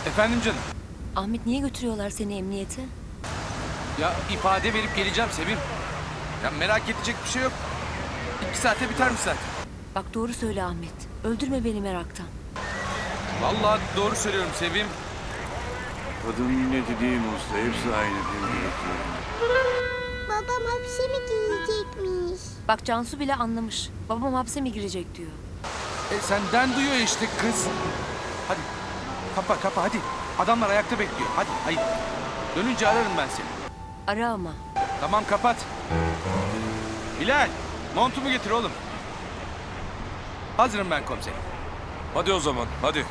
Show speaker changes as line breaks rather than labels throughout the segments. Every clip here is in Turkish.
Efendim canım.
Ahmet niye götürüyorlar seni emniyete?
Ya ifade verip geleceğim Sevim. Ya merak edecek bir şey yok. 2 saate bitermiş zaten.
Bak doğru söyle Ahmet. Öldürme beni meraktan.
Vallahi doğru söylüyorum Sevim.
Kadın milleti değil mi usta? Hepsi aynı değil.
Babam hapse mi girecekmiş?
Bak Cansu bile anlamış. Babam hapse mi girecek diyor.
Senden duyuyor işte kız. Hadi kapa hadi. Adamlar ayakta bekliyor. Hadi. Dönünce ararım ben seni.
Ara ama.
Tamam kapat. Bilal montumu getir oğlum. Hazırım ben komiserim.
Hadi o zaman, hadi.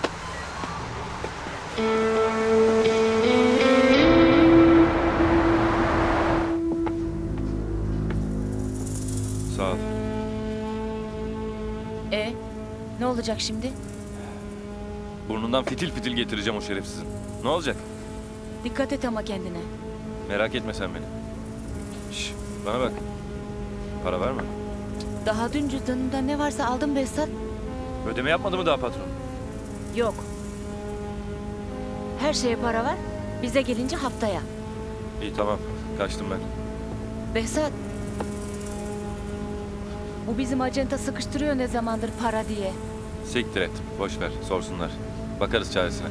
Sağ ol.
Ne olacak şimdi?
Burnundan fitil fitil getireceğim o şerefsizin. Ne olacak?
Dikkat et ama kendine.
Merak etme sen beni. Şş, bana bak. Para verme.
Daha dün cüzdanında ne varsa aldım Behzat.
Ödeme yapmadı mı daha patron?
Yok. Her şeye para var. Bize gelince haftaya.
İyi tamam, kaçtım ben.
Behzat. Bu bizim acenta sıkıştırıyor ne zamandır para diye.
Siktir et, boş ver, sorsunlar. Bakarız çaresine.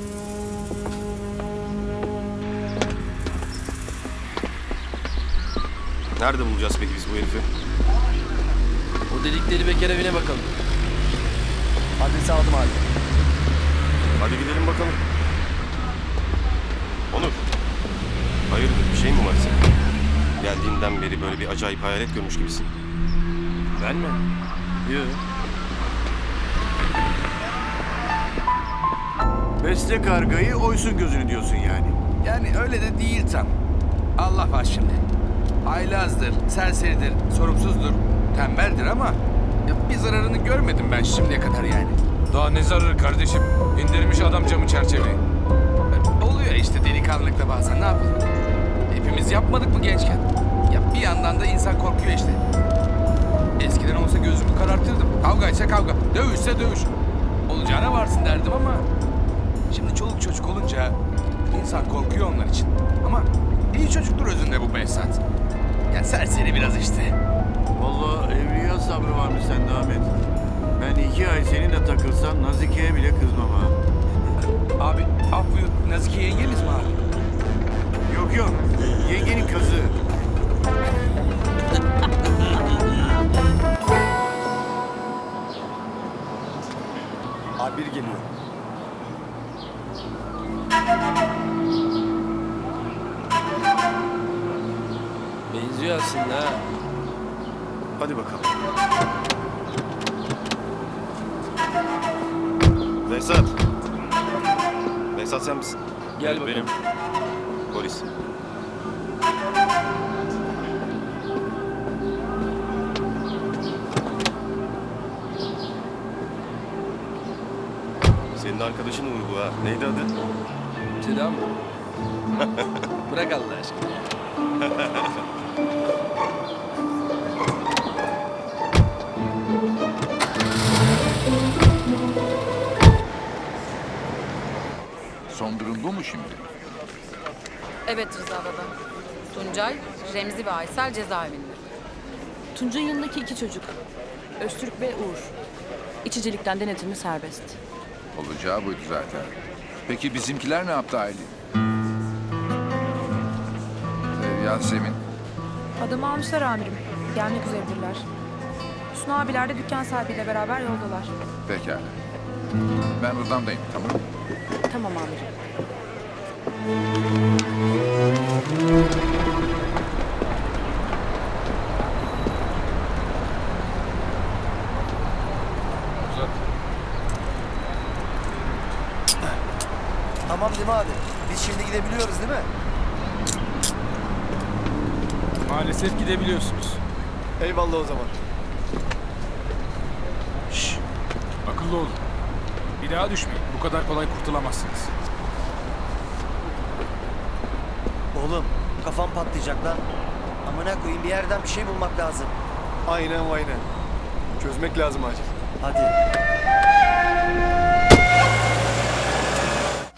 Nerede bulacağız peki biz bu herifi?
O delikleri bekar evine bakalım. Adresi aldım abi.
Hadi gidelim bakalım. Onur. Hayırdır, bir şey mi var senin? Geldiğinden beri böyle bir acayip hayalet görmüş gibisin.
Ben mi? Yok.
Besle kargayı, oysun gözünü diyorsun yani.
Yani öyle de değil tam. Allah var şimdi. Haylazdır, serseridir, sorumsuzdur, tembeldir ama ya bir zararını görmedim ben şimdiye kadar yani.
Daha ne zararı kardeşim? İndirmiş adam camı çerçeveyi.
Oluyor işte delikanlılıkta bazen ne yapalım? Hepimiz yapmadık mı gençken? Ya bir yandan da insan korkuyor işte. Eskiden olsa gözümü karartırdım. Kavgaysa kavga, dövüşse dövüş. Olacağına varsın derdim ama şimdi çoluk çocuk olunca insan korkuyor onlar için. Ama iyi çocuktur özünde bu Behzat. Ya serseri biraz işte.
Vallahi evliya sabrı varmış sende Ahmet. Ben 2 ay seninle takılsam Nazike'ye bile kızmam ha.
Abi af buyur. Nazike yengeniz mi abi?
Yok, yengenin kızı.
Abi biri geliyor. Benziyor aslında ha.
Hadi bakalım. Behzat. Behzat sen misin?
Gel
Evet,
bakalım.
benim.
Polis. Senin arkadaşın Uğur bu ha. Neydi adı?
Seda mı? Bırak Allah aşkına.
Son durum bu mu şimdi?
Evet Rıza baba. Tuncay, Remzi ve Aysel cezaevinde.
Tuncay'ın yanındaki 2 çocuk. Öztürk ve Uğur. İçicilikten denetimi serbest.
Olacağı buydu zaten. Peki bizimkiler ne yaptı Aylin? Yasemin.
Adamı almışlar amirim. Gelmek üzeredirler. Hüsnü abiler de dükkan sahibiyle beraber yoldalar.
Pekala. Ben odamdayım, tamam.
Tamam amirim.
Tamam değil mi abi? Biz şimdi gidebiliyoruz değil mi?
Maalesef gidebiliyorsunuz.
Eyvallah o zaman.
Akıllı olun. Bir daha düşmeyin. Bu kadar kolay kurtulamazsınız.
Oğlum kafam patlayacak lan. Amına koyayım bir yerden bir şey bulmak lazım. Aynen. Çözmek lazım acil. Hadi.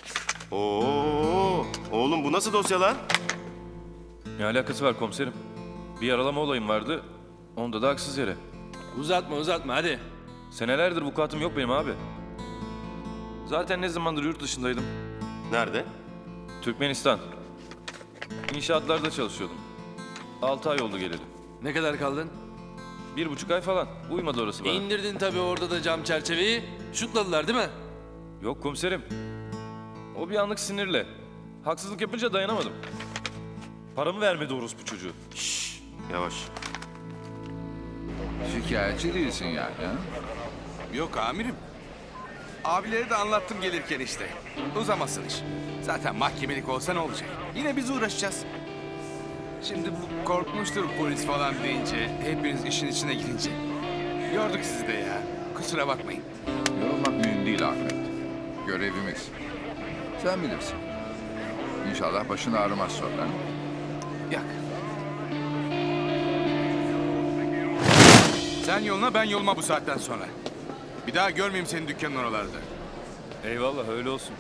Nasıl dosya lan?
Ne alakası var komiserim? Bir yaralama olayım vardı. Onda da haksız yere.
Uzatma hadi.
Senelerdir vukuatım yok benim abi. Zaten ne zamandır yurt dışındaydım.
Nerede?
Türkmenistan. İnşaatlarda çalışıyordum. 6 ay oldu geleli.
Ne kadar kaldın?
1,5 ay falan. Uymadı orası bana.
İndirdin tabii orada da cam çerçeveyi. Şutladılar değil mi?
Yok komiserim. O bir anlık sinirle. Haksızlık yapınca dayanamadım. Paramı vermedi orospu çocuğu.
Yavaş.
Şikayetçi değilsin yani ha?
Yok amirim. Abilere de anlattım gelirken işte. Uzamasın iş. Zaten mahkemelik olsa ne olacak? Yine biz uğraşacağız. Şimdi bu korkmuştur polis falan deyince, hepiniz işin içine girince. Yorduk sizi de ya. Kusura bakmayın.
Yorulmak mühim değil Ahmet. Görevimiz. Sen bilirsin. İnşallah başın ağrımaz sonra.
Yak. Sen yoluna ben yoluma bu saatten sonra. Bir daha görmeyeyim senin dükkanın oralarda.
Eyvallah öyle olsun.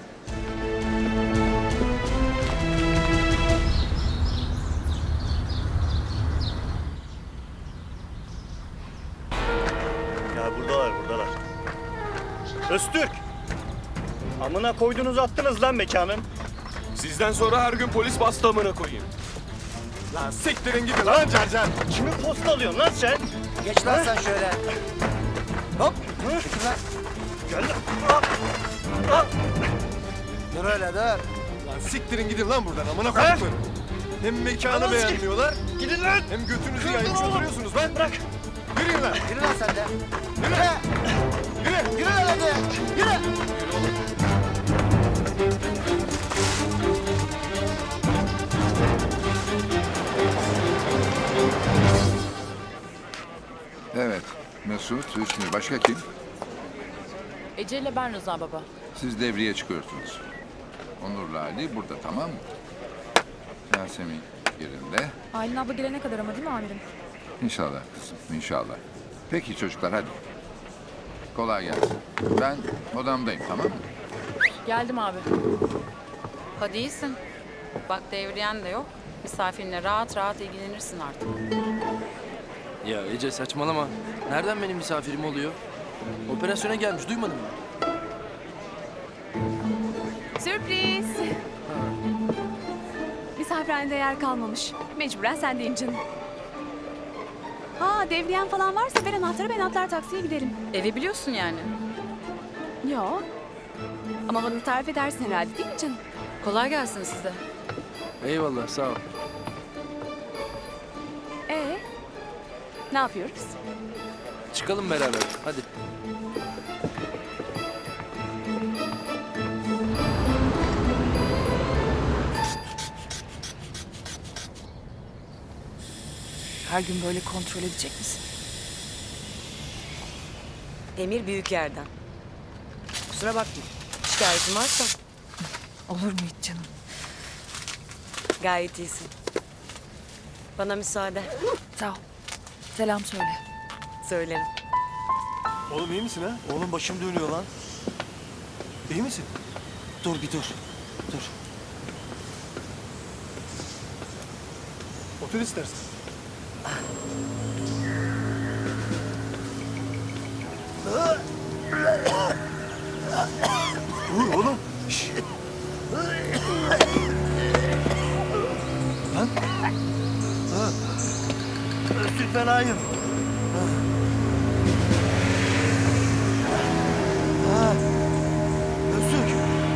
Ya buradalar. Öztürk! Amına koydunuz attınız lan mekanın.
Sizden sonra her gün polis bastı amına koyayım.
Lan siktirin gidin lan Cercan. Kimi posta alıyorsun lan sen? Geç lan sen şöyle. Hop. Çekil lan. Gel lan. Dur öyle dur.
Lan siktirin gidin lan buradan amına koyayım. Hem mekanı beğenmiyorlar.
Gidin lan.
Hem götünüzü yaymış oturuyorsunuz lan.
Bırak.
Yürüyün lan.
Yürü lan sen de.
Yürü.
Yürü lan hadi. Yürü.
Evet. Mesut, Hüsnü. Başka kim?
Ece ile ben Rıza baba.
Siz devreye çıkıyorsunuz. Onur'la Ali burada, tamam mı? Yasemin yerinde.
Aylin abla gelene kadar ama değil mi amirim?
İnşallah kızım, inşallah. Peki çocuklar hadi. Kolay gelsin. Ben odamdayım, tamam mı?
Geldim abi.
Hadi iyisin. Bak devriyen de yok. Misafirinle rahat rahat ilgilenirsin artık.
Ya Ece saçmalama. Nereden benim misafirim oluyor? Operasyona gelmiş duymadın mı?
Sürpriz. Misafirhanede yer kalmamış. Mecburen sendeyim canım. Ha devriyen falan varsa ver anahtarı ben atlar taksiye giderim.
Evi biliyorsun yani.
Yo. Ama bana tarif edersin herhalde değil mi canım?
Kolay gelsin size.
Eyvallah sağ ol.
Ne yapıyoruz?
Çıkalım beraber hadi.
Her gün böyle kontrol edecek misin?
Emir büyük yerden. Kusura bakma. Şikayetin varsa
Olur mu hiç canım?
gayet iyisin. Bana müsaade.
Sağ ol. Selam söyle.
Söylerim.
Oğlum iyi misin ha? Oğlum başım dönüyor lan. İyi misin? Dur bir dur. Dur.
Otur istersen.
Dur oğlum. Şşş. Lan. Ha. Öztürk fenayım. Ha. Öztürk.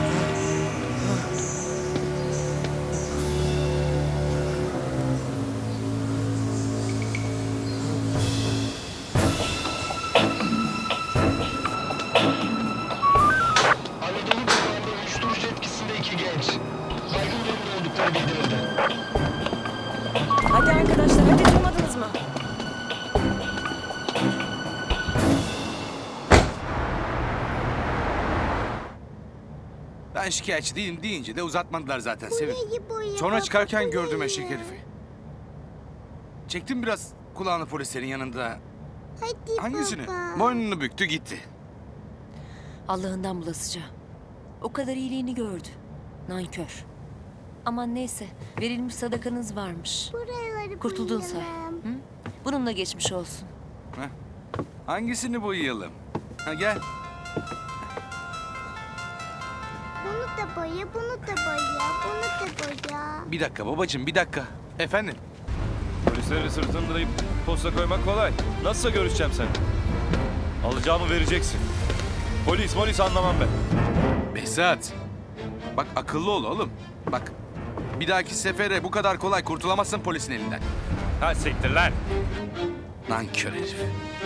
Hadi arkadaşlar hadi durmadınız mı?
Ben şikayetçi değilim deyince de uzatmadılar zaten Sevim.
Burayı boya.
Sonra çıkarken
bak,
gördüm
burayı.
eşek herifi. Çektim biraz kulağını polislerin yanında.
Hadi
Hangisini?
baba.
Boynunu büktü gitti.
Allah'ından bulasıca. O kadar iyiliğini gördü. Nankör.
Aman neyse, verilmiş sadakanız varmış.
Buraları
Kurtuldun say.
boyayalım.
Hı? Bununla geçmiş olsun.
Heh. Hangisini boyayalım? Ha gel.
Bunu da boya, bunu da boya, bunu da boya.
Bir dakika babacığım, bir dakika. Efendim?
Polisleri sırtındırayıp posta koymak kolay. Nasılsa görüşeceğim seni. Alacağımı vereceksin. Polis anlamam ben.
Behzat. Bak akıllı ol oğlum. Bak bir dahaki sefere bu kadar kolay kurtulamazsın polisin elinden.
Ha siktir lan.
Nankör herif.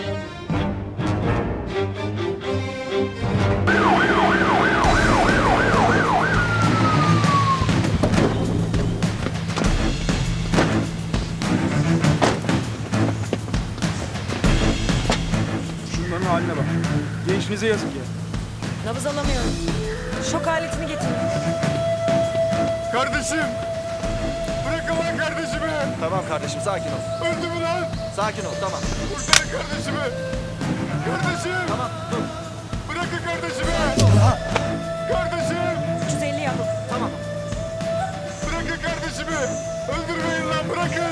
Şunların haline bak. Gençliğinize yazık ya.
Nabız alamıyorum. Şok aletini getirin.
Kardeşim! Bırakın lan kardeşimi!
Tamam kardeşim sakin ol.
Öldü mü lan?
Sakin ol tamam.
Kurtarın kardeşimi! Kardeşim!
Tamam dur.
Bırakın kardeşimi! Kardeşim!
350 yapın.
Tamam.
Bırakın kardeşimi! Öldürmeyin lan bırakın!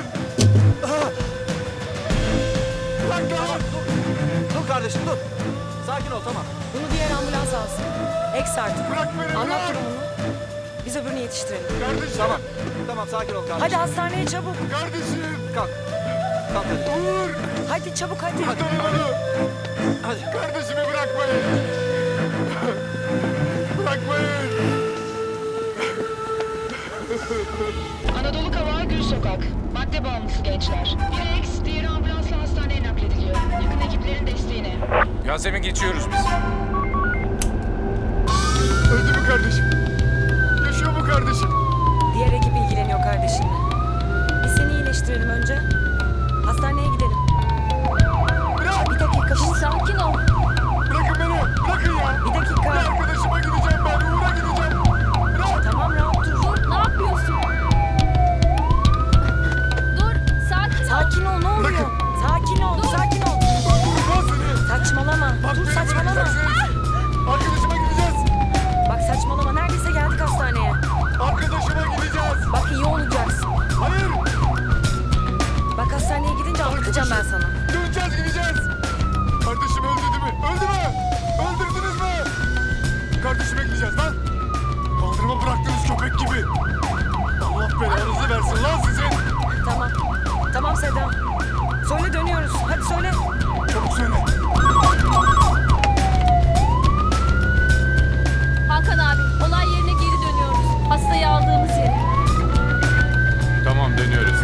Bırak lan!
Dur kardeşim dur. Sakin ol tamam.
Bunu diğer ambulans alsın. Eks artık.
Bırak beni
Anlat
bırak!
durumunu. Biz öbürünü yetiştirelim.
Kardeşim!
Tamam. Tamam sakin ol kardeşim.
Hadi hastaneye çabuk.
Kardeşim!
Kalk. Kalk hadi.
Uğur!
Hadi çabuk hadi.
Kurtarın onu!
Hadi.
Kardeşimi bırakmayın! Bırakmayın!
Anadolu Kavağı Gül Sokak. Madde bağımlısı gençler. Biri eks, diğeri ambulansla hastaneye naklediliyor. Yakın ekiplerin desteğine.
Yasemin geçiyoruz biz.
Öldü mü kardeşim? Yaşıyor mu kardeşim?
Diğer ekip ilgileniyor kardeşinle. Biz seni iyileştirelim önce. Hastaneye gidelim.
Bırak!
Bir dakika dur.
Sakin ol.
Bırakın beni! Bırakın ya!
Bir dakika.
Bir arkadaşıma gideceğim ben! Uğur'a gideceğim! Bırak!
Tamam rahat dur.
Ne yapıyorsun? Dur, sakin ol.
Sakin ol ne oluyor?
Bırakın.
Sakin ol. Sakin ol.
Vurmaz seni!
Saçmalama.
Bak
Dur
beni
saçmalama.
bırakacaksınız! Arkadaşıma gideceğiz!
Bak saçmalama. Neredeyse geldik hastaneye.
Arkadaşıma gideceğiz!
Bak iyi olacaksın.
Hayır!
Bak hastaneye gidince anlatacağım ben sana.
Döneceğiz gideceğiz! Kardeşim öldü değil mi? Öldü mü? Öldürdünüz mü? Kardeşime gideceğiz lan! Kaldırıma bıraktığınız köpek gibi! Allah belanızı versin lan sizin!
Tamam. Tamam Seda. Söyle dönüyoruz. Hadi söyle.
Çabuk söyle!
Hakan abi, olay yerine geri dönüyoruz. Hastayı aldığımız yere.
Tamam dönüyoruz.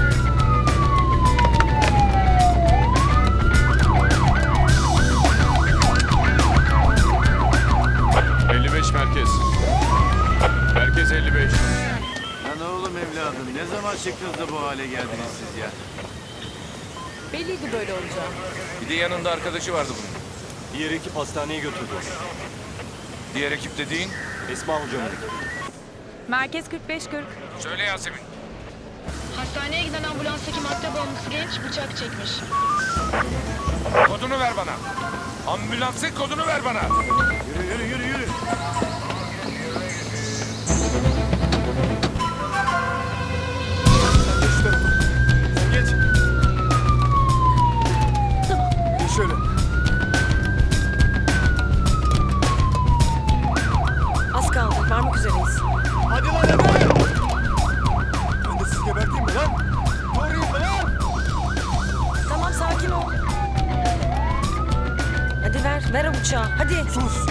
Merkez 55.
Lan oğlum evladım ne zaman çıktınız da bu hale geldiniz siz ya?
Belliydi böyle olacağı.
Bir de yanında arkadaşı vardı bunun.
Diğer ekip hastaneye götürdü.
Diğer ekip dediğin?
Esma hocamın.
Merkez 45-40.
Söyle Yasemin.
Hastaneye giden ambulanstaki madde bağımlısı genç bıçak çekmiş.
Kodunu ver bana. Ambulansın kodunu ver bana.
Yürü.
Sen geç şu tarafa. Sen geç.
Tamam.
Geç şöyle.
Az kaldı. Varmak üzereyiz.
Hadi lan hadi! Ben de sizi geberteyim mi lan? Doğruyum mu lan?
Tamam sakin ol. Hadi ver o bıçağı. Hadi.
Sus!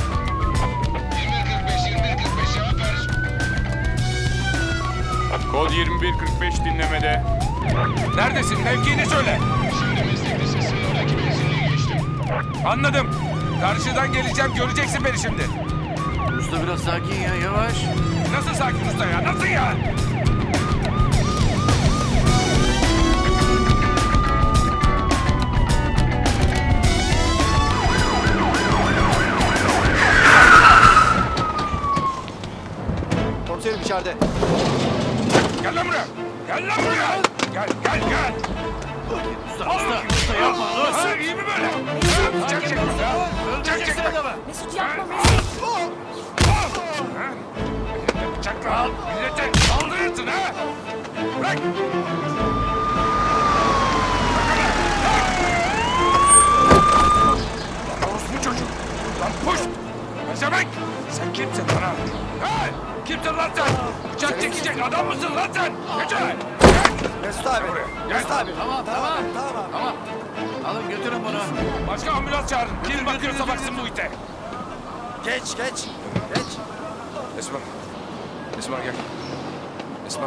Kod 2145 dinlemede.
Neredesin? Mevkiini söyle. Anladım. Karşıdan geleceğim. Göreceksin beni şimdi.
Usta biraz sakin ya yavaş.
Nasıl sakin usta ya? Nasıl ya?
Komiserim içeride.
Gel lan buraya. Gel lan buraya. Gel.
Usta yapma.
Nasıl? İyi mi böyle? Çek.
Öldüreceksin adamı.
Mesut yapma Mesut.
Bıçakla al. Millete saldırın. bırakacaksın ha? Bırak! Lan orospu çocuğu! Lan puş! Pezevenk! Sen kimsin lan ha? Hey! Kimsin lan sen? Bıçak çekecek adam mısın lan sen? Geçer!
Mesut abi. Mesut abi.
Tamam. Alın götürün bunu.
Başka ambulans çağırın. Kim bakıyorsa baksın bu ite.
Geç.
Esma. Esma gel. Esma.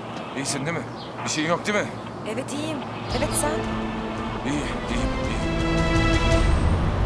İyisin değil mi? Bir şeyin yok değil mi?
Evet iyiyim. Evet sen.
İyi.